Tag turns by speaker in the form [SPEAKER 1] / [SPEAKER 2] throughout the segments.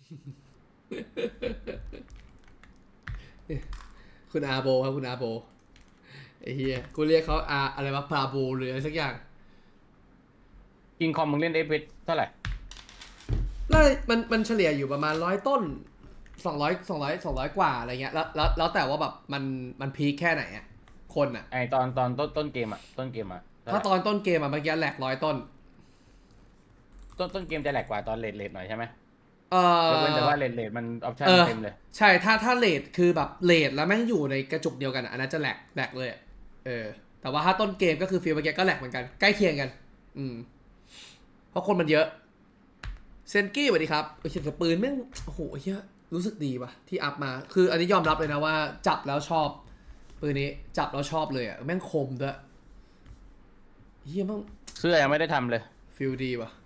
[SPEAKER 1] คุณอาโบครับคุณอาโบไอ้เฮียกูเรียกเขาอาอะไรวะพาโบหรืออะไรสักอย่าง
[SPEAKER 2] กิงคอมมึงเล่นเอฟเท่าไหร่
[SPEAKER 1] แล้วมันเฉลี่ยอยู่ประมาณ100 ต้น200กว่าอะไรเงี้ยแล้วแต่ว่าแบบมันพีคแค่ไหนอะคนอะ
[SPEAKER 2] ไอตอนต้นเกมอ่ะ
[SPEAKER 1] ถ้าตอนต้นเกมอะเมื่อกี้แหลก100 ต้น
[SPEAKER 2] ต้นเกมจะแหลกกว่าตอนเลทหน่อยใช่ไหม
[SPEAKER 1] เอ
[SPEAKER 2] ยกเว้นแต่ว่า
[SPEAKER 1] อ
[SPEAKER 2] เลทมันออปชั่น
[SPEAKER 1] เออ
[SPEAKER 2] เต็มเลย
[SPEAKER 1] ใช่ถ้าเลทคือแบบเลทแล้วแม่งอยู่ในกระจุกเดียวกันอะอันนั้นจะแหลกเลยอะเออแต่ว่าถ้าต้นเกมก็คือฟีลเมื่อกี้ก็แหลกเหมือนกันใกล้เคียงกันอืมเพราะคนมันเยอะเซนกี้สวัสดีครับโอ้ยเสียงปืนแม่งโอ้โหเฮียรู้สึกดีป่ะที่อัพมาคืออันนี้ยอมรับเลยนะว่าจับแล้วชอบปืนนี้จับแล้วชอบเลยอะแม่งคมด้วยเฮียแม่ง
[SPEAKER 2] เสื้อยังไม่ได้ทำเลย
[SPEAKER 1] ฟิลดีว่ะ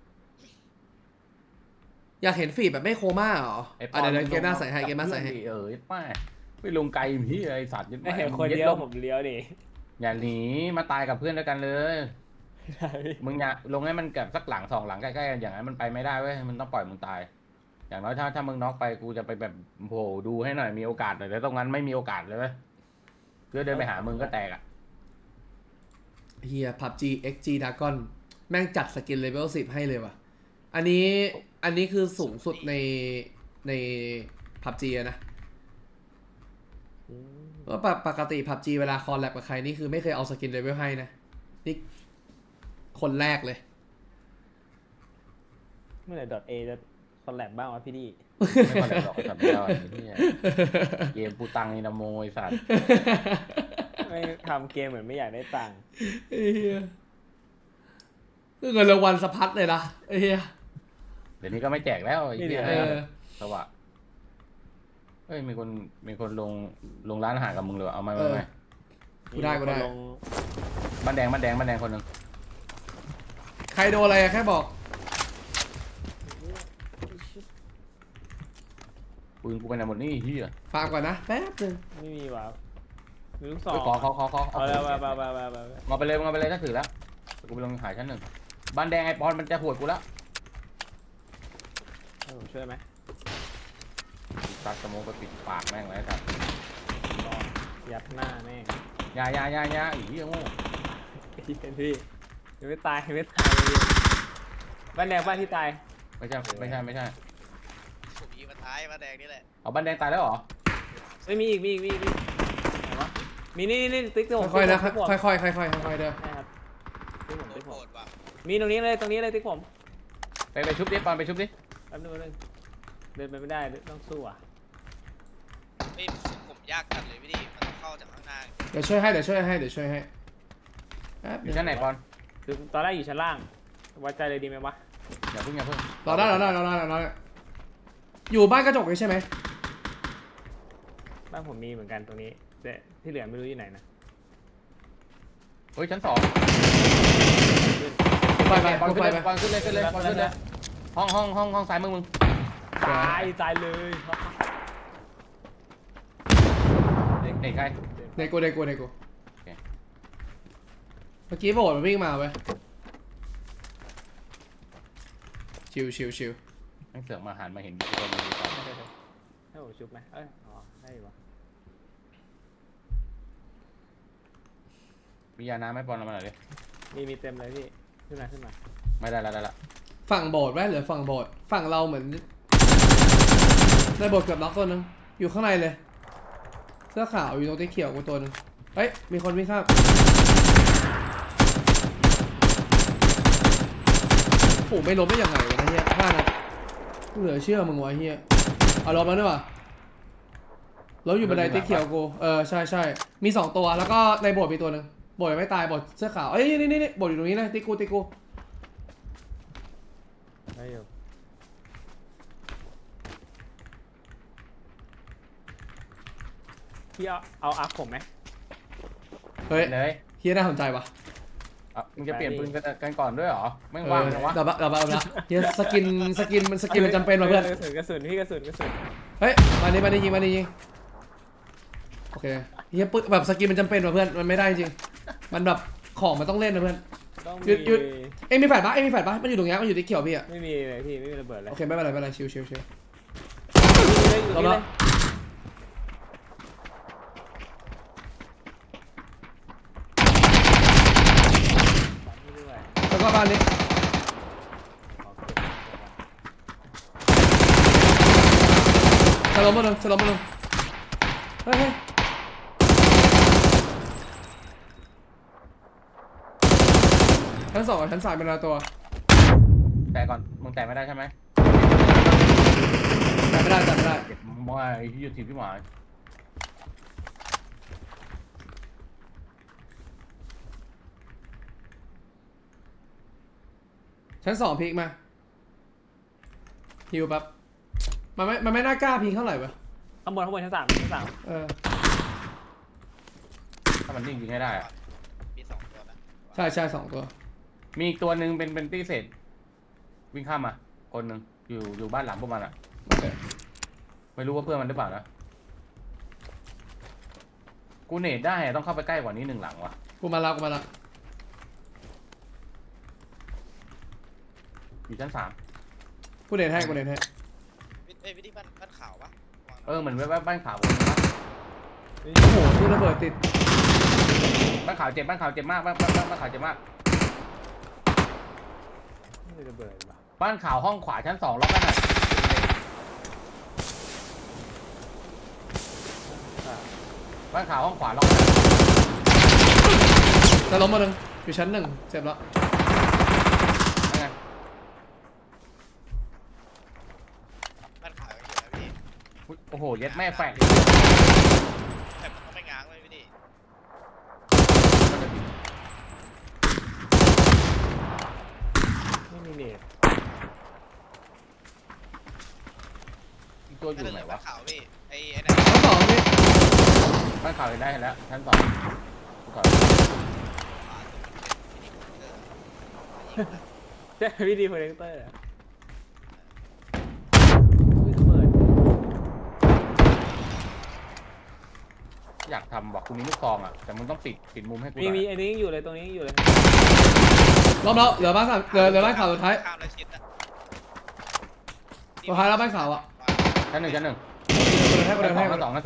[SPEAKER 1] อยากเห็นฟีดแบบไม่โคม่าเหรอ
[SPEAKER 2] ไอป
[SPEAKER 1] อ่ะเดี๋ยวเกมหน้าใส่ให้
[SPEAKER 2] กับ
[SPEAKER 1] เกมหน้าใส่ให้
[SPEAKER 2] เพื่อนดิไม่ลงไกลพี่ไอสัตว์ยึด
[SPEAKER 3] ไม่เห็นคนเดียวผมเลี้ยวดิ
[SPEAKER 2] อย่าหนีมาตายกับเพื่อนด้วยกันเลยมึงอย่าลงให้มันกับสักหลัง2 หลังใกล้ๆกันอย่างนั้นมันไปไม่ได้เว้ยมันต้องปล่อยมึงตาย อย่างน้อยถ้ามึงน็อกไปกูจะไปแบบโผล่ดูให้หน่อยมีโอกาสหน่อยแต่ตรงนั้นไม่มีโอกาสเลยเว้ยเพื่อเดินไปหามึงก็แตกอ่ะ
[SPEAKER 1] เฮีย PUBG XG Dragon แม่งจัดสกินเลเวล10ให้เลยว่ะอันนี้คือสูงสุดใน PUBG อะนะเพราะปกติ PUBG เวลาคอลแลบกับใครนี่คือไม่เคยเอาสกินเลเวลให้นะนี่คนแรกเลย
[SPEAKER 3] เมื่อไหร่ .A จะคอลแลบบ้างวะพี่ดี
[SPEAKER 2] ไม่พอเลยหรอกสัตว์ไม่ได้เนี่ยเกมปูตังนี่นะโมยสัตว์
[SPEAKER 3] ไม่ทำเกมเหมือนไม่อยากได้ตังค์
[SPEAKER 1] ไอ้เฮียเงินรางวัลสะพัดเลยนะไอ้เฮีย
[SPEAKER 2] เดี๋ยวนี้ก็ไม่แจกแล้วไอ้เหี้ย
[SPEAKER 1] เออ
[SPEAKER 2] สวะเฮ้ยมีคนลงร้านอาหารกับมึงเลยเอาไหม
[SPEAKER 1] กูได้
[SPEAKER 3] มีคนลง
[SPEAKER 2] บ้านแดงคนหนึ่ง
[SPEAKER 1] ใครโดนอะไรอะแค่บอก
[SPEAKER 2] ปืนกูไปไหนหมดนี่เฮีย
[SPEAKER 1] ฟาร์มก่อนนะแป๊บนึง
[SPEAKER 3] ไม่มีวะมีลูกศร
[SPEAKER 2] เฮ้ยขอ
[SPEAKER 3] เอาแล้วไป
[SPEAKER 2] มาไปเลยถ้าถือแล้วกูไปลงหาชั้น 1บ้านแดงไอปอนมันจะหวดกูแล้ว
[SPEAKER 3] ให้ผมช่วยไหม
[SPEAKER 2] ตัดสโมกไปปิดปากแม่งเลยครับ
[SPEAKER 3] รอยัดหน้าแม่ง
[SPEAKER 2] ยาอีเหี้ยโง่
[SPEAKER 3] พี่เป็นพี่ยังไม่ตายยังไม่ตายเลยบ้านแดงบ้านที่ตาย
[SPEAKER 2] ไม่ใช่
[SPEAKER 4] ผมยิงมาท้ายมาแดงนี่แหละ
[SPEAKER 2] เอาบ้านแดงตายแล้วเหรอ
[SPEAKER 3] ไม่มีอีกไหนวะมีนี่ติ๊กผม
[SPEAKER 1] ค่อยๆนะ
[SPEAKER 3] ติ๊กผม
[SPEAKER 1] ค่อยๆเด้อ
[SPEAKER 3] ใช่ครับติ๊กผม
[SPEAKER 4] โด
[SPEAKER 3] ติ๊
[SPEAKER 4] น
[SPEAKER 3] กผ
[SPEAKER 4] โห
[SPEAKER 3] ม
[SPEAKER 4] ดว่ะ
[SPEAKER 3] มีตรงนี้เลยติ๊กผม
[SPEAKER 2] ไปชุบดิปอนไปชุบดิ
[SPEAKER 3] แป๊บนึงเดินไปไม่ได้ต้องสู้อ่ะ
[SPEAKER 4] เฮ้ยผมยากจัดเลยพี่ดิมันต้องเข้าจากข้างหน้า
[SPEAKER 1] เดี๋ยวช่วยให้แป๊บ
[SPEAKER 2] อ
[SPEAKER 1] นึ
[SPEAKER 2] ยู่
[SPEAKER 1] ง
[SPEAKER 2] ชั้นไหนปอน
[SPEAKER 3] คือตอนแรกอยู่ชั้นล่างไว้ใจเลยดีไหมวะ
[SPEAKER 2] อย่าเพิ่ง
[SPEAKER 1] รอได้อยู่บ้านกระจกเลยใช่ไหม
[SPEAKER 3] บ้านผมมีเหมือนกันตรงนี้แต่ที่เหลือไม่รู้อยู่ไหนนะ
[SPEAKER 2] เฮ้ยชั้น 2
[SPEAKER 1] ไป
[SPEAKER 2] ปอน
[SPEAKER 1] ไป
[SPEAKER 2] ขึ้นเลยห้องซ้ายมึง
[SPEAKER 3] ตายเลยครับ
[SPEAKER 2] เด็กใคร
[SPEAKER 1] ในกูเมื่อกี้โบดมันวิ่งมาเว้ยชิว
[SPEAKER 2] แม่งเสือกมาหันมาเห็นตัวมึงดีกว่า
[SPEAKER 3] ให้ผมชุบไหมอ๋อได้อยู่วะ
[SPEAKER 2] มียาน้ำไหมปอนเอามาหน่อยดิ
[SPEAKER 3] มีเต็มเลยพี่ขึ้นมา
[SPEAKER 2] ไม่ได้ละ
[SPEAKER 1] ฝั่งโบดไว้หรือฝั่งโบดฝั่งเราเหมือนในโบดเกือบน็อกตัวนึงอยู่ข้างในเลยเสื้อขาวอยู่ตรงที่เขียวกูตัวนึงเฮ้ยมีคนวิ่งข้ามโอ้ไม่ล้มได้ยังไงวะนะเฮียพลาดนะเหลือเชื่อมึงวะเฮียเอาล้มแล้วด้วยวะล้มอยู่บันไดที่เขียวกูใช่มี2ตัวแล้วก็ในโบดมีตัวนึงโบดยังไม่ตายโบดเสื้อขาวเอ้ยนี่โบดอยู่ตรงนี้เลยติ๊กกู
[SPEAKER 3] ได้อยู่พี่เอาอาร์คผมไหม
[SPEAKER 1] เฮ้ย
[SPEAKER 2] เลย
[SPEAKER 1] เฮียน่าสนใจวะ
[SPEAKER 2] มึงจะเปลี่ยนปืนกันก่อนด้วยเหรอแม่งว่างนะวะ
[SPEAKER 1] เดี๋ยวเฮียสกินมันจำเป็นว่ะเพื่อน
[SPEAKER 3] กระสุนพี่กระสุน
[SPEAKER 1] เฮ้ยมาดิยิงโอเคเฮียปึ๊บแบบสกินมันจำเป็นว่ะเพื่อนมันไม่ได้จริงมันแบบของมันต้องเล่นนะเพื่อน
[SPEAKER 3] ต้อง
[SPEAKER 1] หยุด เอ็งมีแฟลชปะมันอยู่ตรงเนี้ยมันอยู่ที่เขียวพี่อะ
[SPEAKER 3] ไม่มีเลยพี่ไม่มีระเบิดเลย
[SPEAKER 1] โอเคไม่เป็นไรชิว
[SPEAKER 3] เลยอยู่ตรงนี้เลย นี่ด้วย
[SPEAKER 1] แล้วก็บ้านนี้
[SPEAKER 3] โอเค
[SPEAKER 1] จะล้มมาหนึ่งจะล้มมาหนึ่งเฮ้ยชั้นสองกับชั้นสามเป็นอะไรตัว
[SPEAKER 2] แต่ก่อนมึงแต่ไม่ได้ใช่ไหม
[SPEAKER 1] แต่ไม่ได้แต่ไม่ได้
[SPEAKER 2] เก็บมอยที่อยู่ทีมพี่หมาย
[SPEAKER 1] ชั้นสองพีกมาฮิวแป๊บมันไม่น่ากล้าพีกเท่าไหร่ปะ
[SPEAKER 3] ข้างบนชั้นสาม
[SPEAKER 1] เออ
[SPEAKER 2] ถ้ามันนิ่งยิงให้ได้อะ
[SPEAKER 4] มี2ตัวนะ
[SPEAKER 1] ใช่ใช่สองตัว
[SPEAKER 2] มีอีกตัวหนึ่งเป็นตี้เศษวิ่งข้ามมาคนหนึ่งอยู่บ้านหลังพวกมันอ่ะ
[SPEAKER 1] โอเค
[SPEAKER 2] ไม่รู้ว่าเพื่อนมันหรือเปล่านะกูเนตได้อะต้องเข้าไปใกล้กว่านี้1 หลังว่ะ
[SPEAKER 1] กูมาละ
[SPEAKER 2] อยู่ชั้น3
[SPEAKER 1] กูเน็ตให้
[SPEAKER 4] วิธีบ้านขาวปะ
[SPEAKER 2] เหมือนแวบๆบ้านขาวผมนะ
[SPEAKER 1] โอ้โหตู้ระเบิดติด
[SPEAKER 2] บ้านขาวเจ็บมากบ้านขาวเจ็บมาก
[SPEAKER 3] นี่เลยระเบิดว่ะ
[SPEAKER 2] บ้านขาวห้องขวาชั้น2ล็อกกันน่ะ บ้านขาวห้องขวาล็อกกันน่ะ
[SPEAKER 1] จะล้มมาหนึ่งอยู่ชั้นหนึ่งเจ็บแล้ว
[SPEAKER 2] นั่นไง
[SPEAKER 4] บ้านขาวยังอยู่นะพี่
[SPEAKER 2] อุ๊ยโอ้โหเย็ดแม่แฝง
[SPEAKER 4] แต่มันต้องไม่ง้างเลยพี่ดิ
[SPEAKER 3] ไม่มีเน็ต
[SPEAKER 2] อีกตัวอยู่ไหนวะ
[SPEAKER 4] บ้านขาวพี่ไอ้ไหน
[SPEAKER 1] ชั้นสองนี่
[SPEAKER 2] บ้านขาวเห็นได้เห็นแล้วชั้น2กูถอย
[SPEAKER 3] ใช่วิดีโปรเจคเตอร์อะอุ้ยระเบิด
[SPEAKER 2] อยากทำบอกกูมีลูกซองอ่ะแต่มึงต้องปิดมุมให้กูห
[SPEAKER 3] มี
[SPEAKER 2] น่อย
[SPEAKER 3] อันนี้ยังอยู่เลยตรงนี้ยังอยู่เลย
[SPEAKER 1] ล้มแล้วเหลือบ้านสามเหลือบ้านขาวสุดท้าย
[SPEAKER 4] ข้ามแล้วชิดนะ
[SPEAKER 1] สุดท้ายแล้วบ้านขาวอ่ะ
[SPEAKER 2] ชั้น 1
[SPEAKER 1] กูเดินให้
[SPEAKER 2] ชั้น2ชั้น2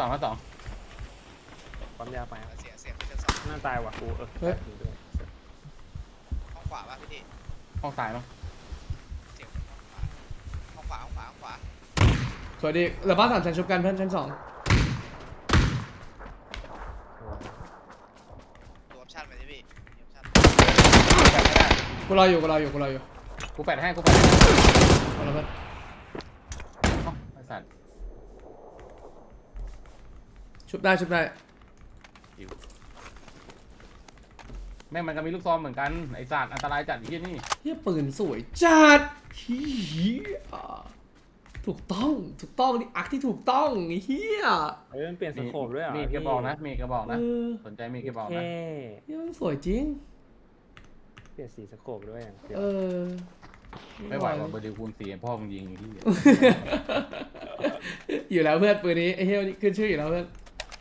[SPEAKER 3] ความยาวไป
[SPEAKER 4] เสียงชั้น 2
[SPEAKER 3] น่าตายว่ะกูอยู่ด้วย
[SPEAKER 4] ห้องขวาป่ะพี่ดิ
[SPEAKER 2] ห้องซ้ายมั้ง
[SPEAKER 4] เสียงห้องขวาห้องขวา
[SPEAKER 1] สวัสดีเหลือบ้านสามชั้นชุบกันเพื่อนชั้นสอง
[SPEAKER 4] ตัวออปชั่นไปดิพี่ออปชั่น
[SPEAKER 2] แปดไม่ได้
[SPEAKER 1] กูรออยู่
[SPEAKER 2] กูแปดให้
[SPEAKER 1] เอาละเพื่อน
[SPEAKER 2] เอ้าไอ้สัตว์
[SPEAKER 1] ชุบได้
[SPEAKER 2] แม่งมันก็มีลูกซองเหมือนกันไอ้สัตว์อันตรายจัดไอ้ที่นี่
[SPEAKER 1] เฮียปืนสวยจัดเฮียถูกต้องนี่อักที่ถูกต้องเฮีย
[SPEAKER 3] เฮ้ยมันเปลี่ยนสโคปด้วยเหรอ
[SPEAKER 2] มีกระบอกนะมีกระบอก
[SPEAKER 1] เอ
[SPEAKER 2] นะ
[SPEAKER 1] อ
[SPEAKER 2] สนใจมีกระบอก
[SPEAKER 3] เท่
[SPEAKER 2] นะ
[SPEAKER 1] เฮียมันสวยจริง
[SPEAKER 3] เปลี่ยนสีสโคปด้วยอย่างเดียว
[SPEAKER 1] เออ
[SPEAKER 2] ไม่ไหวว่ะเบอร์ดิวคูณ4พ่อมึงยิงที่
[SPEAKER 1] อยู่แล้วเพื่อนปืนนี้ไอ้เฮียนี่ขึ้นชื่ออยู่แล้วเพื่อน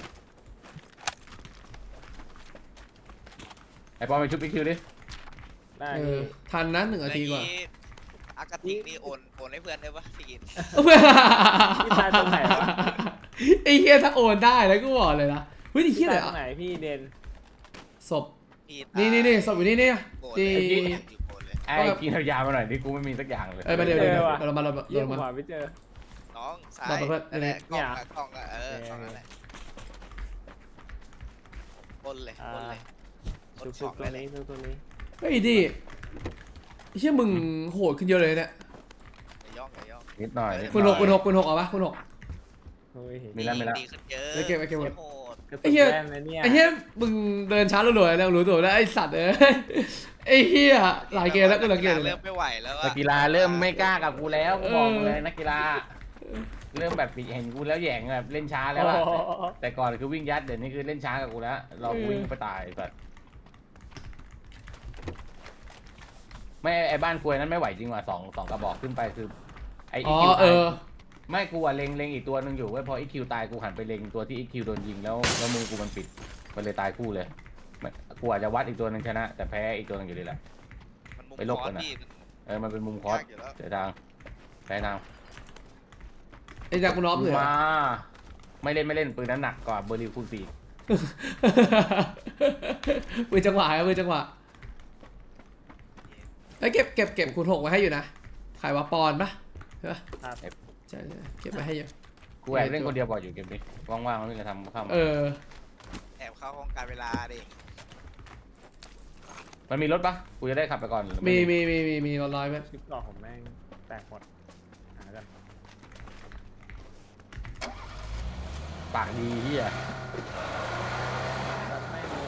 [SPEAKER 2] ไอ้ปอมไปชุบอีกคิวดิ
[SPEAKER 3] ได้
[SPEAKER 1] เออ
[SPEAKER 3] พี่
[SPEAKER 1] ทันนะ1 นาทีกว่า
[SPEAKER 4] อากาติกนี่โอนให้เพื่อนได้ปะพี่กิน
[SPEAKER 3] พี่ตายตรงไหนวะ
[SPEAKER 1] ไอ้เฮียถ้าโอนได้แล้วก็บอกเลยนะเฮ้ยไอ้เฮีย
[SPEAKER 3] พี่
[SPEAKER 1] อะไร
[SPEAKER 3] ตายตรงไหน
[SPEAKER 1] อ่ะ
[SPEAKER 3] พี่เดน
[SPEAKER 1] ศพ
[SPEAKER 4] พี่
[SPEAKER 1] นี่ศพอยู่นี่
[SPEAKER 4] โอน
[SPEAKER 1] ที่
[SPEAKER 4] เลยโอนเลย
[SPEAKER 2] ไอ้กินเอายามาหน่อยดิกูไม่มีสักอย่างเลย
[SPEAKER 1] มาเดี๋ยวเรามา
[SPEAKER 3] เยี่ยมกว่าไม่เจอ
[SPEAKER 4] น้องซ้า
[SPEAKER 1] บอก
[SPEAKER 4] ย
[SPEAKER 1] ไปเพื่อน
[SPEAKER 4] นั่นแหละ
[SPEAKER 3] เนี่ย
[SPEAKER 4] กล้องอะกล้องนั่นแหละปนเลยปนเลยปน
[SPEAKER 3] ชุบ
[SPEAKER 4] ข
[SPEAKER 3] ชุ
[SPEAKER 4] อบ ง
[SPEAKER 3] ตัว
[SPEAKER 4] ได้เลย
[SPEAKER 3] นี้ชุบตัวนี้
[SPEAKER 1] เฮ้ยดิไอ้เฮียมึงโหดขึ้นเยอะเลยเนี่ย
[SPEAKER 4] อย่าย่อง
[SPEAKER 2] นิดหน่อย
[SPEAKER 1] คุณหกเอาปะคุณหก
[SPEAKER 3] โอ้ย
[SPEAKER 2] มีแล้ว
[SPEAKER 4] ดีขึ้นเยอะ
[SPEAKER 1] แล้วเก็บไว้เก็บไว้
[SPEAKER 4] โหด
[SPEAKER 3] กระ
[SPEAKER 1] ไอ้
[SPEAKER 3] ตุก
[SPEAKER 1] เหี้ย
[SPEAKER 3] แว่นนะเนี่ย
[SPEAKER 1] ไอ้เฮียมึงเดินช้ารัวๆแล้วรู้ตัวแล้วไอ้สัตว์เอ้ยไอ้เฮียหลายเกมแล้วกูสังเกตเลย
[SPEAKER 4] เริ่มไม่ไหวแล้ว
[SPEAKER 2] นั
[SPEAKER 4] อะ
[SPEAKER 2] กกีฬาเริ่มไม่กล้ากับกูแล้วกูบอกเลยนักกีฬาเริ่มแบบเห็นกูแล้วแหย่งแบบเล่นช้าแล้วอะ
[SPEAKER 3] โอ้โห
[SPEAKER 2] แต่ก่อนคือวิ่งยัดเดี๋ยวนี้คือเล่นช้ากับกูแล้วเรากูวิ่งไปตายแบบไม่ไอ้บ้านควยนั้นไม่ไหวจริงว่ะสองกระบอกขึ้นไปคือไอ้
[SPEAKER 1] อ๋อ
[SPEAKER 2] คิว
[SPEAKER 1] เอ
[SPEAKER 2] ตาย
[SPEAKER 1] อ
[SPEAKER 2] ไม่กูอะเล็งอีกตัวหนึงอยู่เว้ยพออีคิวตายกูหันไปเล็งตัวที่อีคิวโดนยิงแล้วมือกูมันปิดมันเลยตายคู่เลยไม่กูอาจจะวัดอีกตัวหนึงชนะ แต่แพ้อีกตัวหนึงอยู่ดีแหละ
[SPEAKER 4] มันมุม
[SPEAKER 2] ไปลบ
[SPEAKER 4] คอ
[SPEAKER 2] กัน
[SPEAKER 4] ร์ส
[SPEAKER 2] อะ
[SPEAKER 4] พี่
[SPEAKER 2] มันเป็นมุมคอร์ส
[SPEAKER 4] ยากอยู่แล้ว
[SPEAKER 2] เสียทางแพ้ทาง
[SPEAKER 1] ไอ้จากคุณน้อมเหลือ
[SPEAKER 2] มาไม่เล่นปืนนั้นหนักกว่าเบอร์ริวคูณ4
[SPEAKER 1] มือจังหวะครับมือจังหวะแล้วเก็บคูณ6ไว้ให้อยู่นะขายว่าปอนปะใช่ปะ
[SPEAKER 3] ครับ
[SPEAKER 1] ใช่เก็บไว้ให้อยู่
[SPEAKER 2] กูแอบเล่นคนเดียวบ่อยอยู่เกมนี้ว่างๆไม่จะทำข้าม
[SPEAKER 1] เออ
[SPEAKER 4] แอบเข้าห้องการเวลาดิ
[SPEAKER 2] มันมีรถปะกูจะได้ขับไปก่อนหรือ
[SPEAKER 1] มีรถร้อยไหม
[SPEAKER 3] คลิปก่อนผมแม่งแตกหมดหากัน
[SPEAKER 2] ปากดีเฮีย
[SPEAKER 3] ตัดไม่เลย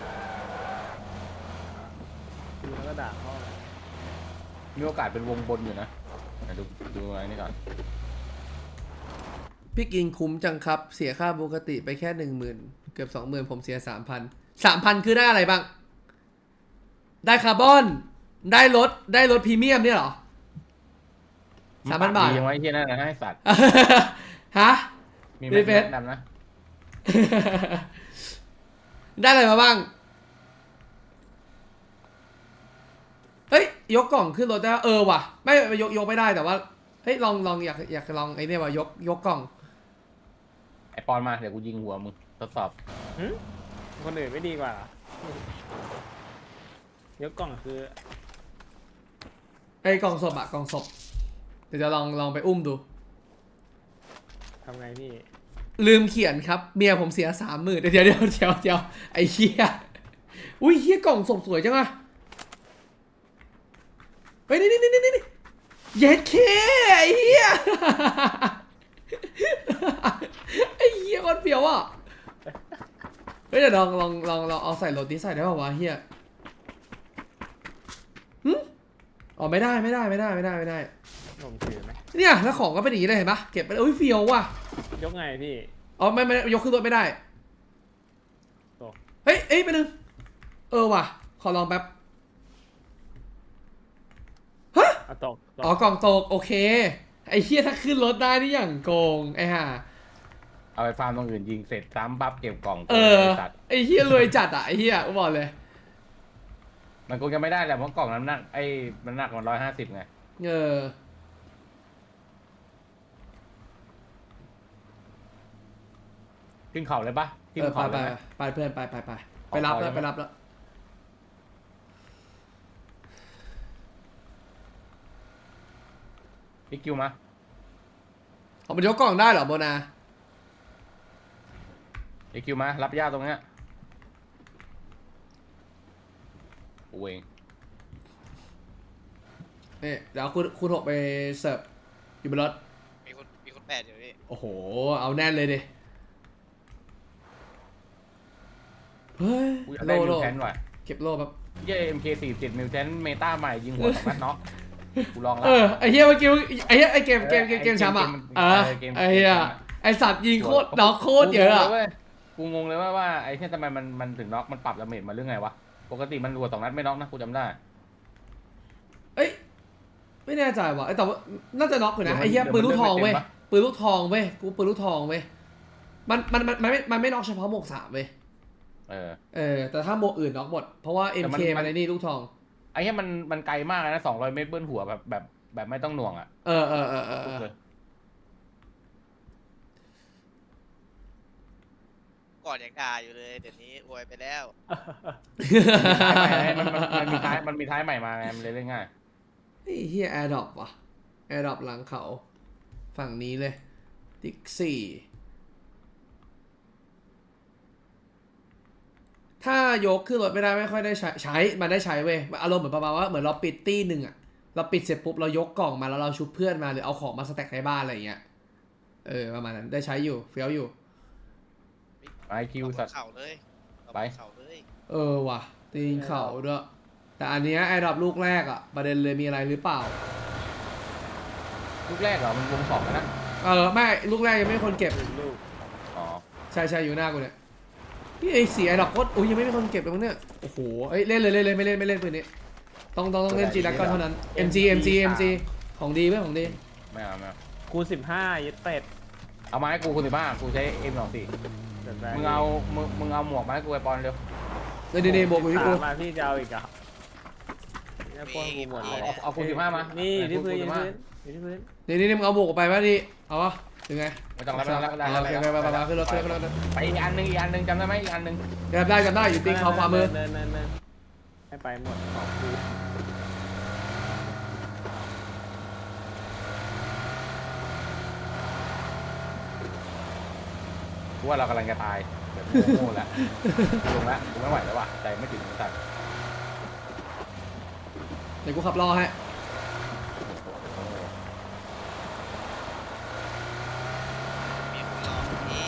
[SPEAKER 3] พี่แล้วก็ด่าพ่อเลย
[SPEAKER 2] มีโอกาสเป็นวงบนอยู่นะดูอะไรนี่ก่อน
[SPEAKER 1] พี่กินคุ้มจังครับ เสียค่าปกติไปแค่10,000เกือบ20,000ผมเสีย3,000คือได้อะไรบ้าง ได้คาร์บอนได้รถพรีเมียมเนี่ยเหรอ 3,000 บาท
[SPEAKER 2] ดียังไว้เฮียนั่นนะให้สัตว์
[SPEAKER 1] ฮะ
[SPEAKER 2] มี
[SPEAKER 1] รีเฟรช
[SPEAKER 2] แนะนำนะ
[SPEAKER 1] ได้อะไรมาบ้าง เฮ้ย ยกกล่องขึ้นรถได้ว่ะ ไม่ยกไม่ได้แต่ว่า เฮ้ย ลองอยากลองไอ้เนี่ยว่ะยกกล่อง
[SPEAKER 2] ไอปอนมาเดี๋ยวกูยิงหัวมึงทดสอบ
[SPEAKER 3] คนอื่นไม่ดีกว่าเหรอ ยกกล่องคือ
[SPEAKER 1] ไอ้กล่องศพกล่องศพเดี๋ยวจะลองไปอุ้มดู
[SPEAKER 3] ทำไงพี่
[SPEAKER 1] ลืมเขียนครับเมียผมเสีย30,000เดี๋ยวไอ้เหี้ยอุ้ยเหี้ยกล่องศพสวยจังอะเฮ้ยนี่เย็ดเคไอ้เหี้ยไอ้เหี้ยคนเปียวอ่ะเฮ้ยเดี๋ยวลองเอาใส่รถนี้ใส่ได้ป่าวะเหี้ยอ๋อไม่ได้
[SPEAKER 3] ผมถือไหม
[SPEAKER 1] เนี่ยแล้วของก็เป็นอย่างนี้เลยเห็นปะเก็บไปเลยอุ้ยเฟียวว่ะ
[SPEAKER 3] ยกไงพี่
[SPEAKER 1] อ๋อไม่ยกขึ้นรถไม่ได้
[SPEAKER 3] ตก
[SPEAKER 1] เฮ้ยไปนึงว่ะขอลองแป๊บฮะ
[SPEAKER 3] ตก
[SPEAKER 1] อ๋อกล่องตกโอเคไอ้เหี้ยถ้าขึ้นรถได้นี่อย่างโกงไอ้ห่า
[SPEAKER 2] เอาไปฟาร์มตรงอื่นยิงเสร็จซ้ำปั๊บเก็บกล่อง
[SPEAKER 1] ไอ้
[SPEAKER 2] สัตว์
[SPEAKER 1] ไอ้เหี้ยรวยจัดอ่ะไอ้เหี้ยกูบอกเลย
[SPEAKER 2] มันคงจะไม่ได้แหละเพราะกล่องน้ำหนักมันหนักมัน150ไงขึ้นเขาเลยปะขึ้นเขาเลยไหม
[SPEAKER 1] ไปเพื่อนไปรับแล้ว
[SPEAKER 2] พี่คิวมา
[SPEAKER 1] เอามันยกกล่องได้เหรอโบนา
[SPEAKER 2] พี่คิวมารับย่าตรงเนี้ยโอ้ย
[SPEAKER 1] เนี่ยเดี๋ยวคุณ6ไปเสิร์ฟอยู่บนรถ
[SPEAKER 4] มีคนแปดอยู่พี่
[SPEAKER 1] โอ้โหเอาแน่นเลยดิเฮ้ย
[SPEAKER 2] กูอยากได้มิวแทนว่ะ
[SPEAKER 1] เก็บโล่แบบ
[SPEAKER 2] เย่ MK47 มิวแทนเมตาใหม่ยิงหัว2 นัดเนาะกูลองแล้ว
[SPEAKER 1] ไอ้เหี้ยเมื่อกี้ไอ้เหี้ยไอ้เกมช้ำอ่ะไอ้เหี้ยไอ้สัตว์ยิงโคตรน็อกโคตรเยอะอ่ะ
[SPEAKER 2] กูงงเลยว่าไอ้ที่ทำไมมันถึงน็อกมันปรับดาเมจมาเรื่องไงวะปกติมันรัว2 นัดไม่น็อกนะกูจำได้
[SPEAKER 1] เอ้ยไม่แน่ใจว่ะแต่ว่าน่าจะน็อกอยู่นะไอ้เหี้ยปืนลูกทองเว้ยปืนลูกทองเว้ยกูปืนลูกทองเว้ยมันไม่น็อกเฉพาะหมวก3เว้ยแต่ถ้าหมวกอื่นน็อกหมดเพราะว่า MK มันในนี่ลูกทอง
[SPEAKER 2] ไอ้ที่มันไกลมากนะ200 เมตรเบิ้ลหัวแบบไม่ต้องหน่วงอ่ะ
[SPEAKER 4] ก่อนยังด่าอยู่เลยเดี๋ยวนี้อวยไปแล้ว
[SPEAKER 2] มันมีท้ายใหม่มาไงมันเลยเล่นง่าย
[SPEAKER 1] ไอ้เฮียแอร์ดรอปว่ะแอร์ดรอปหลังเขาฝั่งนี้เลยติ๊กซี่ถ้ายกขึ้นรถไม่ได้ไม่ค่อยได้ใช้มันได้ใช้เว้ยอารมณ์เหมือนประมาณว่าเหมือนเราปิดตี้หนึ่งอะเราปิดเสร็จปุ๊บเรายกกล่องมาแล้วเราชุบเพื่อนมาหรือเอาของมาสแต็กในบ้านอะไรอย่างเงี้ยประมาณนั้นได้ใช้อยู่เฟี้ยวอยู่
[SPEAKER 2] ไอคิวสัตว์
[SPEAKER 4] เข่าเลยเอา
[SPEAKER 2] ไป
[SPEAKER 4] เข่าเลย
[SPEAKER 1] ว่ะตีนเข่าด้วยแต่อันเนี้ยแอร์ดรอปลูกแรกอะประเด็นเลยมีอะไรหรือเปล่า
[SPEAKER 2] ลูกแรกเหรอมันวง2แล้วนะ
[SPEAKER 1] ไม่ลูกแรกยังไม่มีคนเก็บ
[SPEAKER 3] ลูก
[SPEAKER 2] อ๋อ
[SPEAKER 1] ใช่อยู่หน้ากูเนี่ยพี่ไอ้สีไอ้ดอกโคตรอุ้ยยังไม่มีคนเก็บเลยมั้งเนี่ยโอ้โหเล่นเลยไม่เล่นปืนนี้ต้องเล่นจีรักก่อนเท่านั้น MG ของดีเว้ยของดี
[SPEAKER 2] ไม่เอา
[SPEAKER 3] คูณ15ยึดเป็ด
[SPEAKER 2] เอามาให้กูคุณ15กูใช้ M24 มึงเอาหมวกมาให้กูไอปอนเร็ว
[SPEAKER 1] นี่บวกกูที่กู
[SPEAKER 3] มาพี่จะเอาอีกอ่ะเนี่ยป้อนกูหมดเลย
[SPEAKER 2] เอาคุณ15มา
[SPEAKER 3] นี่
[SPEAKER 2] นี่
[SPEAKER 3] ที่พื้นอยู่ที่พื้น
[SPEAKER 1] นี่มึงเอาบวกออกไปป่ะดิเอาวะถึงไง
[SPEAKER 2] ไม่ต้องแล้วไม่ต้องแล้ว
[SPEAKER 1] โอเคไปขึ้นรถขึ้นรถ
[SPEAKER 2] ไปอีกอันหนึ่งจำได้ไหมอีกอันหนึ่ง
[SPEAKER 1] จำได้อยู่ตีเขาขวามือ
[SPEAKER 3] เนินให้ไปหมดของกู
[SPEAKER 2] กูว่าเรากำลังจะตายแบบโง่ๆแหละลงแล้วกูไม่ไหวแล้วว่ะใจไม่ถึงสัตว์
[SPEAKER 1] เดี๋ยวกูขับรอให้
[SPEAKER 4] มีคนรอพี่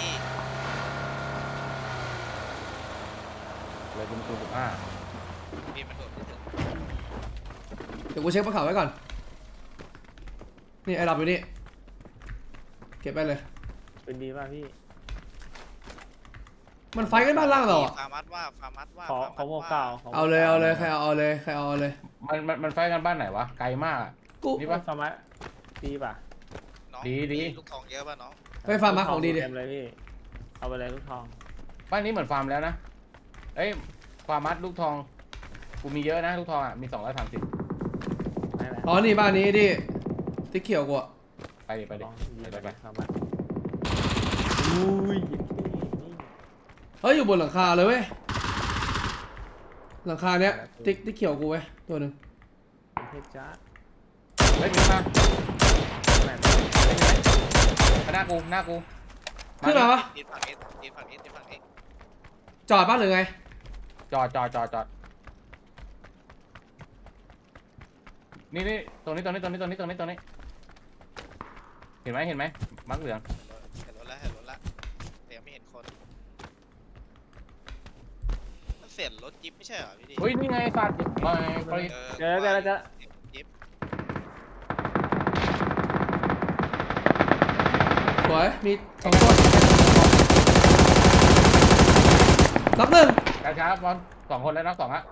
[SPEAKER 2] เลยเป็นคูณ15
[SPEAKER 4] พี่มันโดดไม่ถึง
[SPEAKER 1] เดี๋ยวกูเช็คบนเขาไว้ก่อนนี่ไอ้ดับอยู่นี่เก็บไปเลย
[SPEAKER 3] เป็นดีป่ะพี่
[SPEAKER 1] มันไฟกันบ้านล่างเราอ่ะ
[SPEAKER 4] ฟาร์มัดว่า
[SPEAKER 3] ขอโมเก่า
[SPEAKER 1] เอาเลยใครเอาเลย
[SPEAKER 2] มันไฟกันบ้านไหนวะไกลมากอะ
[SPEAKER 1] กู
[SPEAKER 2] นี่
[SPEAKER 3] นี่
[SPEAKER 2] ปะ
[SPEAKER 3] ป่ะสมัยดีป่ะ
[SPEAKER 4] น้อง
[SPEAKER 2] ดี
[SPEAKER 4] ลูกทองเยอะป่ะน้อง
[SPEAKER 1] ไปฟาร์มมาของดีดิ
[SPEAKER 3] เต็มเลยพี่เอาไปเลยลูกทอง
[SPEAKER 2] บ้านนี้เหมือนฟาร์มแล้วนะเอ้ยฟาร์มัดลูกทองกูมีเยอะนะลูกทองอ่ะมี230
[SPEAKER 3] ไม่แหละ
[SPEAKER 1] อ๋อนี่บ้านนี้ดิที่เขียวกูอ่ะ
[SPEAKER 2] ไปดิ
[SPEAKER 3] ไป
[SPEAKER 2] ไป
[SPEAKER 3] สมัยอุ้ยนี่
[SPEAKER 1] เฮ้ยอยู่บนหลังคาเลยเว้ยหลังคาเนี้ยติ๊กเขียวกูเว้ยตัวหนึ่ง
[SPEAKER 3] เพชรจ้า
[SPEAKER 2] เฮ้ยมีมา
[SPEAKER 3] แม่
[SPEAKER 2] หน้ากู
[SPEAKER 1] ขึ้นมาปะ
[SPEAKER 4] ทีฝั่งนี้ทีฝั่งนี้
[SPEAKER 1] จอดบ้านหรือไง
[SPEAKER 2] จอดนี่ตรงนี้เห็นไหมมักเหลือง
[SPEAKER 4] เห็นรถละแต่ยังไม่เห็นคนมันเสียรถจิ๊บไม่ใช่เหรอพี่ดิ
[SPEAKER 2] เฮ้ยนี่ไงสัตว์มาไป
[SPEAKER 3] เจอแล้ว
[SPEAKER 4] จิ๊บ
[SPEAKER 1] สวยมี2ตัวรับหนึ่ง
[SPEAKER 2] กระช้าบอล2 คนแล้วนับ2ฮะ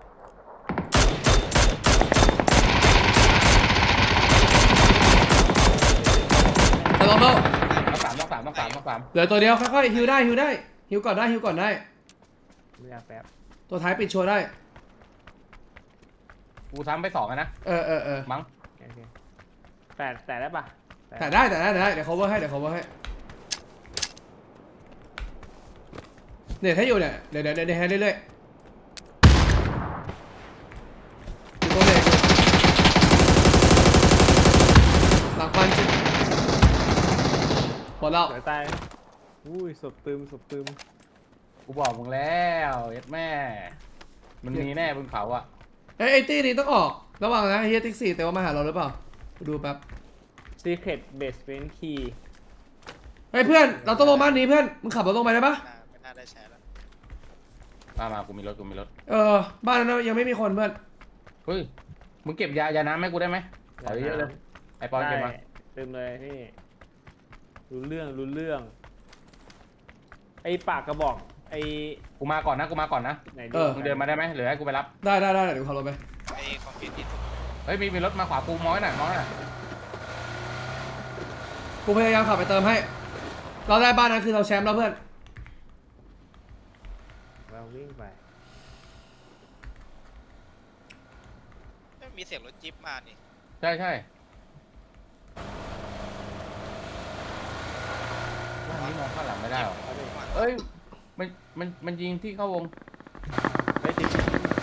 [SPEAKER 1] แต่ลองเล่า
[SPEAKER 2] นับ3
[SPEAKER 1] เหลือตัวเดียวค่อยๆฮิวได้ฮิวก่อนได้
[SPEAKER 3] ไม่อยากแป๊บ
[SPEAKER 1] ตัวท้ายปิดโชว์ได้
[SPEAKER 2] กูซ้ำไป2นะ
[SPEAKER 1] เออ
[SPEAKER 2] มั้ง
[SPEAKER 3] โอเคแต่ได้ป่ะ
[SPEAKER 1] แต่ได้เดี๋ยว cover ให้เนี่ยถ้าอยู่เนี่ยเดี๋ยวให้เรื่อยๆอยู่ตัวเด็กหลังควันหมดแล้ว
[SPEAKER 3] เดี๋ยวตายอุ้ยศพตึม
[SPEAKER 2] กูบอกมึงแล้วเย็ดแม่ มันมีแน่บนเขาอ่ะ
[SPEAKER 1] ไอ้ตี้นี้ต้องออกระวังนะเฮียติ๊กซี่แต่ว่ามาหาเราหรือเปล่าดูแป๊บ
[SPEAKER 3] Secret Basement Key
[SPEAKER 1] เฮ้ยเพื่อนเราต้องลงบ้านนี้เพื่อนมึงขับรถลงไปได้ปะ
[SPEAKER 4] ไม่น่าได้ใช้แล้ว
[SPEAKER 2] มากูมีรถ
[SPEAKER 1] บ้านนั้นยังไม่มีคนเพื่อน
[SPEAKER 2] เฮ้ย มึงเก็บยาน้ำให้กูได้ไหมขอเยอะๆเลย ไอปอนเก็บมา
[SPEAKER 3] ได้ตึมเลยพี่รู้เรื่องไอ้ปากกระบอกไอ้
[SPEAKER 2] กูมาก่อนนะ
[SPEAKER 3] ไหน
[SPEAKER 2] มึงเดินมาได้ไหมหรือให้กูไปรับ
[SPEAKER 1] ได้เดี๋ยวขับรถไป
[SPEAKER 4] ไอ้คอมพิวเตอร์
[SPEAKER 2] เฮ้ย มีรถมาขวากูม้อยหน่อย
[SPEAKER 1] กูพยายามขับไปเติมให้เราได้บ้านนั้นคือเราแชมป์แล้วเพื่อน
[SPEAKER 3] เราวิ่งไป
[SPEAKER 4] ไม่มีเสียงรถจิ๊บมานี่
[SPEAKER 2] ใช่บ้านนี้มองข้างหลังไม่ได้หรอ
[SPEAKER 3] เอาดิ
[SPEAKER 2] เอ้ย มันยิงที่เข้าวง
[SPEAKER 3] ไปติด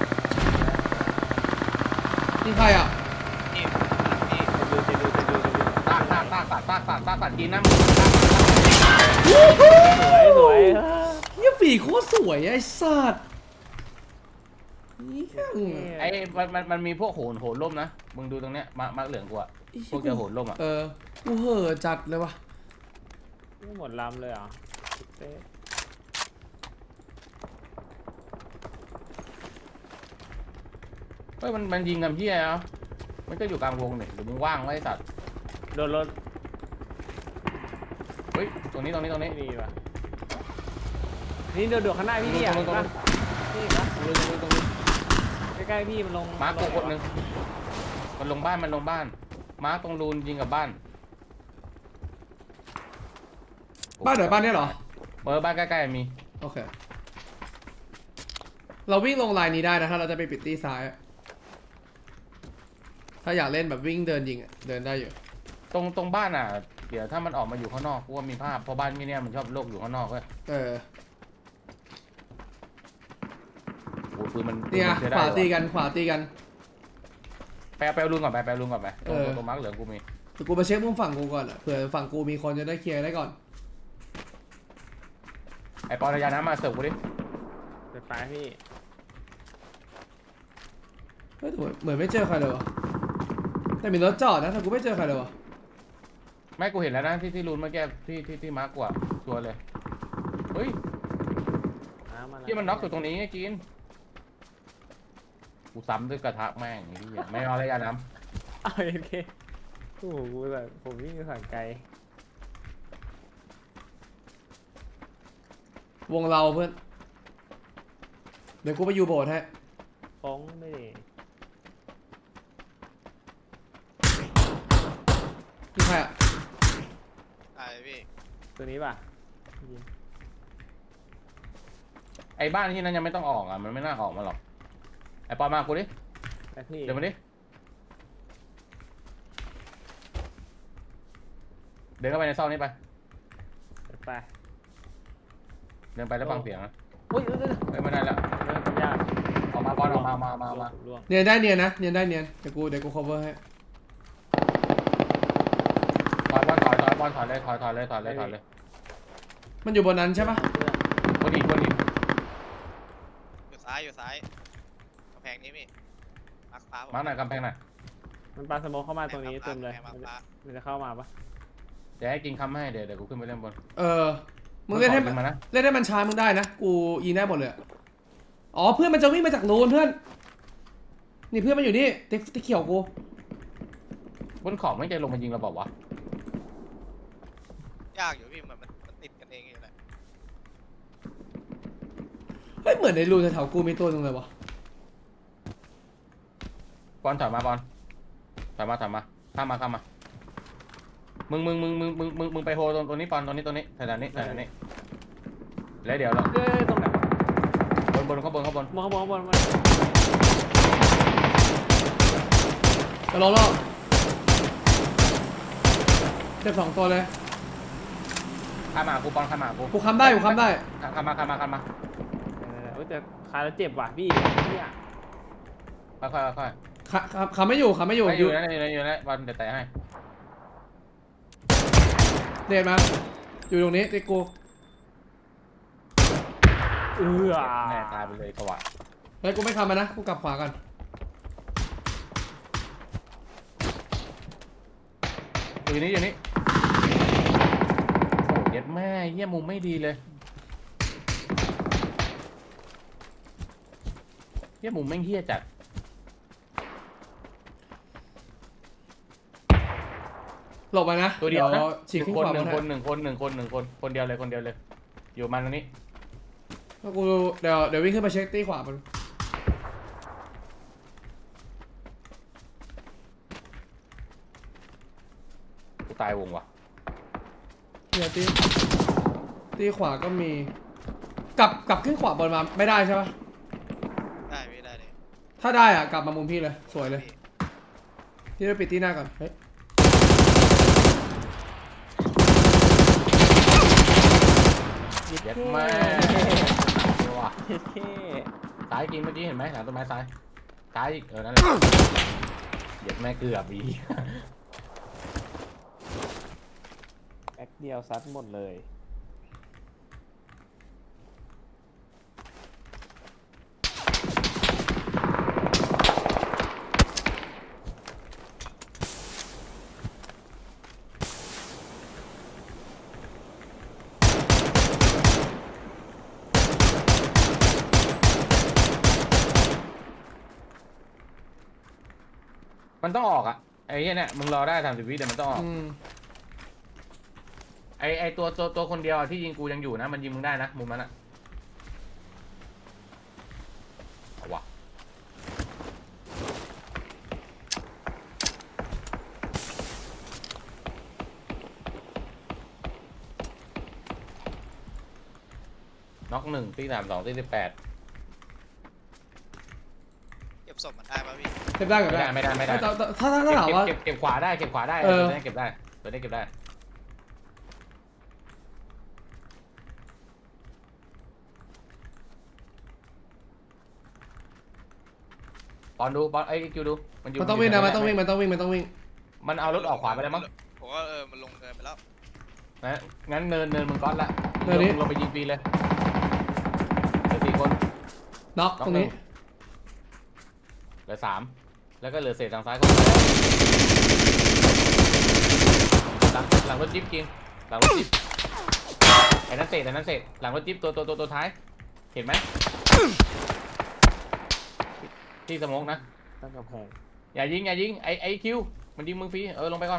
[SPEAKER 1] นี่ใครอ่ะ
[SPEAKER 4] พี่
[SPEAKER 3] จะดู
[SPEAKER 2] ตากกินนะ
[SPEAKER 3] สวย
[SPEAKER 1] เฮียฝีโคตรสวยไอ้สัตว์เหี้ย
[SPEAKER 2] ไอ้มันมีพวกโหนล่มนะ มึงดูตรงเนี้ยมาเหลืองกูอะพวกเจอโหนล่มอะ
[SPEAKER 1] กูเห่อจัดเลยวะ
[SPEAKER 3] นี่หมดลำเลยเหรอเต้
[SPEAKER 2] เฮ้ยมันยิงกันพี่เหรอมันก็อยู่กลางวงเนี่ยหรือมึงว่างไว้สัตว์
[SPEAKER 3] โดนรถ
[SPEAKER 2] เฮ้ยตรงนี้
[SPEAKER 3] ไม่ดีว่ะนี่โดดข้างหน้าพี่นี่อ่ะ
[SPEAKER 2] ตรง
[SPEAKER 3] นี่ปะใกล้ๆพี่มันลง
[SPEAKER 2] มาร์คคนหนึ่งมันลงบ้านมาร์คตรงรูนยิงกับบ้าน
[SPEAKER 1] บ้านไหนบ้านเนี้ยเหรอ
[SPEAKER 2] บ้านใกล้ๆมี
[SPEAKER 1] โอเคเราวิ่งลงไลน์นี้ได้นะถ้าเราจะไปปิดตีซ้ายอะถ้าอยากเล่นแบบวิ่งเดินยิงอะเดินได้อยู่
[SPEAKER 2] ตรงบ้านอ่ะเดี๋ยวถ้ามันออกมาอยู่ข้างนอกกูว่ามีภาพเพราะบ้านที่เนี่ยมันชอบโลกอยู่ข้างนอกเว้ย
[SPEAKER 1] เออ
[SPEAKER 2] โอ้ยปืนมัน
[SPEAKER 1] เนี่ย
[SPEAKER 2] ปืนมันใช้
[SPEAKER 1] ขวา
[SPEAKER 2] ได้
[SPEAKER 1] ตี
[SPEAKER 2] ว่ะ
[SPEAKER 1] กันขวาตีกัน
[SPEAKER 2] ไปเอาลุงก่อนไปเอาลุงก่อนไป
[SPEAKER 1] เออ
[SPEAKER 2] ตัวมาร์กเหลืองกูมี
[SPEAKER 1] แต่กูไปเช็คมุมฝั่งกูก่อนอะเผื่อฝั่งกูมีคนจะได้เคลียร์ได้ก่อน
[SPEAKER 2] ไอปอนระยะน้ำมาเสิร์ฟกูดิ
[SPEAKER 3] ไปพี่
[SPEAKER 1] เฮ้ยแต่เหมือนไม่เจอใครเลยวะแต่มีรถจอดนะแต่กูไม่เจอใครเลยวะ
[SPEAKER 2] ไม่กูเห็นแล้วนะที่รูนเมื่อกี้ที่มาร์กกูอะชัวร์เลยเฮ้ย ที่มันน็อกอยู่ตรงนี้ไงกินกูซ้ำด้วยกระทะแม่งไอ้เหี้ยไม่เอาระยะน้
[SPEAKER 3] เอาโอเคโอ้โหกูแบบผมวิ่งผ่านไกล
[SPEAKER 1] วงเราเพื่อนเดี๋ยวกูไปอยู่โบสถ์ให้
[SPEAKER 3] ฟ้องไม่ได้
[SPEAKER 1] นี่ใครอะ
[SPEAKER 4] ตายพี่
[SPEAKER 3] ตัวนี้ป่ะยิง
[SPEAKER 2] ำไอ้บ้านที่นั้นยังไม่ต้องออกอ่ะมันไม่น่าออกมาหรอกไอ้ปอนมากูดิ
[SPEAKER 3] ไปพี่
[SPEAKER 2] เดี๋ยวมาดิเดินเข้าไปในซอกนี้ไป
[SPEAKER 3] ไป
[SPEAKER 2] เดินไปแล้วฟังเสียงนะ
[SPEAKER 3] อุ้ย
[SPEAKER 2] เฮ้ยไม่ได้แล้ว
[SPEAKER 3] เริ่มยาก
[SPEAKER 2] ออกมาบอลออกมา
[SPEAKER 3] ล่วง
[SPEAKER 1] เนียนได้เนียนนะเนียนได้เนียนเดี๋ยวกู cover ให้
[SPEAKER 2] ถอยบอลถอยเลย
[SPEAKER 1] มันอยู่บนนั้นใช่ปะ
[SPEAKER 2] บนอีก
[SPEAKER 4] อยู่ซ้ายกำแพงนี้พี่มาร์คฟ้าผม
[SPEAKER 2] มาหน่อยกำแพงหน่อย
[SPEAKER 3] มันปาสโมกเข้ามาตรงนี้เต็มเลย
[SPEAKER 4] แพงมาร์คฟ้า
[SPEAKER 3] มันจะเข้ามาปะ
[SPEAKER 2] เดี๋ยวให้กินคำให้เดี๋ยวกูขึ้นไปเล่นบน
[SPEAKER 1] เออมึงเล่นให้
[SPEAKER 2] ขอยิงมานะ
[SPEAKER 1] เล่นให้มันช้ามึงได้นะกูยิงได้หมดเลยอะอ๋อเพื่อนมันจะวิ่งมาจากรูนเพื่อนนี่เพื่อนมันอยู่นี่ติ๊กเขียวกู
[SPEAKER 2] บนขอบไม่ใจลงมายิงเราบอกวะ
[SPEAKER 4] ยากอยู่พี่เหมือนมันติดกันเองอยู่แหละ
[SPEAKER 1] เฮ้ยเหมือนในรูนแถวๆกูมีตัวนึงเลยวะ
[SPEAKER 2] บอลถอยมาข้ามมามึงไปโฮตรงนี้ปอนตรงนี้แถวนี้แล้วเดี๋ยวเรา
[SPEAKER 3] ตรงไหนวะ
[SPEAKER 2] บนข้างบน
[SPEAKER 3] มองข้างบนข้างบนมา
[SPEAKER 1] จะรอเจ็บ2 ตัวเลย
[SPEAKER 2] ข้ามมากูปอนข้ามมากู
[SPEAKER 1] กูค้ำได้
[SPEAKER 2] ข้ามมา
[SPEAKER 3] เออแต่ขาแล้วเจ็บว่ะพี่เนี่ย
[SPEAKER 2] ค่อย
[SPEAKER 1] ค้ำไม่อยู่
[SPEAKER 2] ๆอยู่นะบอลเดี๋ยวแตะให้
[SPEAKER 1] เดนมาอยู่ตรงนี้ติ๊กกู
[SPEAKER 2] แม่ตายไปเลยสวัสด
[SPEAKER 1] เฮ้ยกูไม่ค้ำมันนะกูกลับขวากัน
[SPEAKER 2] อยู่นี่โอ้เย็ดแม่เยี่ยมุมไม่ดีเลยเยี่ยมุมแม่งเฮี้ยจัด
[SPEAKER 1] หลบไปนะ
[SPEAKER 2] ตัวเดียวนะ
[SPEAKER 1] ฉีกขึ้น
[SPEAKER 2] คน
[SPEAKER 1] ขวา
[SPEAKER 2] หนึ่
[SPEAKER 1] มาง
[SPEAKER 2] คนเดียวเลยอยู่มันตรงนี้
[SPEAKER 1] แล้วกูเดี๋ยววิ่งขึ้นไปเช็คตีขวามัน
[SPEAKER 2] กูตายวงว่ะ
[SPEAKER 1] เนี่ยตีขวาก็มีกลับขึ้นขวาบนมาไม่ได้ใช่ปะ
[SPEAKER 4] ได้พี่ได้เลย
[SPEAKER 1] ถ้าได้อ่ะกลับมามุมพี่เลยสวยเลย
[SPEAKER 4] พี่
[SPEAKER 1] ที่เราปิดที่หน้าก่อนเฮ้ย
[SPEAKER 3] เย็ด
[SPEAKER 2] เย็ด
[SPEAKER 3] แค่
[SPEAKER 2] แม่ว่ะ
[SPEAKER 3] เย็ดแค่
[SPEAKER 2] ซ้ายกินเมื่อกี้เห็นไหมหลังต้นไม้ซ้ายอีกนั่นแหละเย็ดแม่เกือบอี
[SPEAKER 3] แบ็คเดียวซัดหมดเลย
[SPEAKER 2] มันต้องออกอ่ะไอ้เนี่ยมึงรอได้30 วิเดี๋ยวมันต้องออก ไอ้ตัวคนเดียวที่ยิงกูยังอยู่นะมันยิงมึงได้นะมุมนั้นอ่ะเอาวะน็อก1ตี32ตี18
[SPEAKER 4] เก็บศพมันได้ป่ะพี่
[SPEAKER 1] เก็บได้กับได้
[SPEAKER 2] ไม่ได้
[SPEAKER 1] ถ้าถามว่า
[SPEAKER 2] เก็บขวาได้
[SPEAKER 1] เออ
[SPEAKER 2] ตัวนี้เก็บได้ปอนดูปอนไอ้คิวดูมันอยู่
[SPEAKER 1] มันต้องวิ่งนะ
[SPEAKER 2] ยู่
[SPEAKER 1] มันต้อง
[SPEAKER 2] แถ
[SPEAKER 1] วิ่ง
[SPEAKER 2] ไห
[SPEAKER 1] มันต้องวิ่งมันต้องวิ่ง
[SPEAKER 2] มันเอารถออกขวาไปแล้วมั้ง
[SPEAKER 4] ผมว่ามันลงเนินไปแล้ว
[SPEAKER 2] นะงั้นเนินมึงก๊อตละ
[SPEAKER 1] เนินนี้
[SPEAKER 2] ลงไปยิงฟรีเลยเหลือ4 คน
[SPEAKER 1] น็อกตรงนี้
[SPEAKER 2] เหลือ3แล้วก็เหลือเศษทางซ้ายเข้ามาหลังรถจิ๊บจริงหลังรถจิ๊บไอ้นั่นเศษหลังรถจิ๊บตัวท้ายเห็นไหมที่สโมกนะ
[SPEAKER 3] ตั้งกำแพง
[SPEAKER 2] อย่ายิงไอ้คิวมันยิงมึงฟรีลงไปก่อน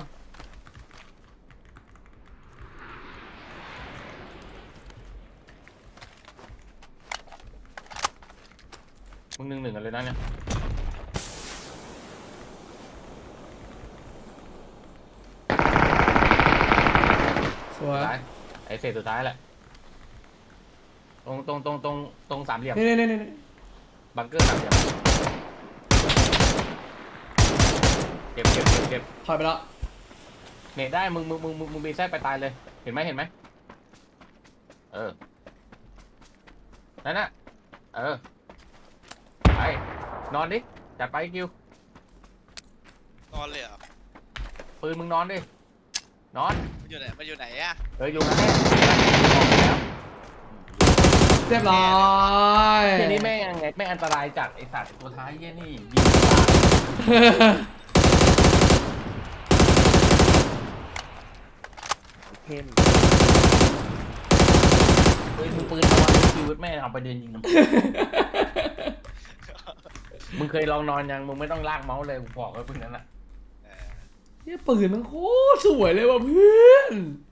[SPEAKER 2] มึง1-1กันเลยนะเนี่ย
[SPEAKER 1] สวย
[SPEAKER 2] ท้ายไอ้เศษสุดท้ายแหละตรงสามเหลี่ยม
[SPEAKER 1] นี่
[SPEAKER 2] บังเกอร์สามเหลี่ยมเก็บ
[SPEAKER 1] ถอยไปแล้ว
[SPEAKER 2] เนตได้มึงบีแทรกไปตายเลยเห็นไหมนั่นน่ะไปนอนดิจัดไปคิวน
[SPEAKER 4] อนเลยเหรอ
[SPEAKER 2] ปืนมึงนอนดินอน
[SPEAKER 4] มันอยู่ไหนอะ
[SPEAKER 2] อยู่นั่นแหละออกไปแล้ว
[SPEAKER 1] เรียบร้อย
[SPEAKER 2] ทีนี้แม่งไงแม่งอันตรายจัดไอสัตว์ตัวท้ายเยี่ยนี่ยิงตาย
[SPEAKER 3] เข้ม
[SPEAKER 2] ปืนระวังชีวิตแม่เอาไปเดินยิงน้ำ มึงเคยลองนอนยังมึงไม่ต้องลากเมาส์เลยกูบอกไว้พวกนั้นแหละ
[SPEAKER 4] เออ
[SPEAKER 1] เนี่ยปืนมันโคตรสวยเลยว่ะเพื่อน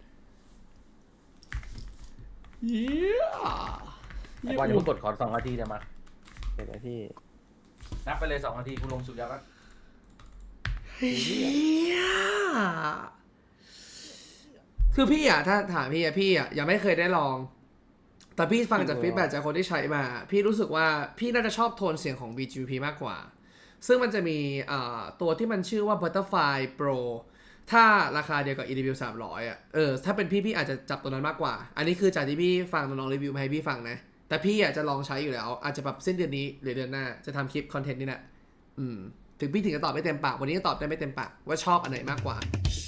[SPEAKER 1] เยี่ย
[SPEAKER 2] ไอ้บอลจะมึงกดขอ2 นาทีเดี๋ยวมา
[SPEAKER 3] เห็นไหมพี่
[SPEAKER 2] นับไปเลย2 นาทีกูลงสุดยอดแล้ว
[SPEAKER 1] เฮียคือพี่อ่ะถ้าถามพี่อ่ะยังไม่เคยได้ลอง แต่พี่ฟังจากฟีดแบ็กจากคนที่ใช้มา พี่รู้สึกว่าพี่น่าจะชอบโทนเสียงของ BGP มากกว่า ซึ่งมันจะมีตัวที่มันชื่อว่า Butterfly Pro ถ้าราคาเดียวกับ EDW 300อ่ะถ้าเป็นพี่อาจจะจับตัวนั้นมากกว่า อันนี้คือจากที่พี่ฟังน้องๆรีวิวมาให้พี่ฟังนะ แต่พี่อยากจะลองใช้อยู่แล้ว อาจจะแบบสิ้นเดือนนี้หรือเดือนหน้าจะทำคลิปคอนเทนต์นี่แหละถึงพี่ถึงจะตอบไม่เต็มปากวันนี้ก็ตอบได้ไม่เต็มปากว่าชอบอันไหนมากกว่า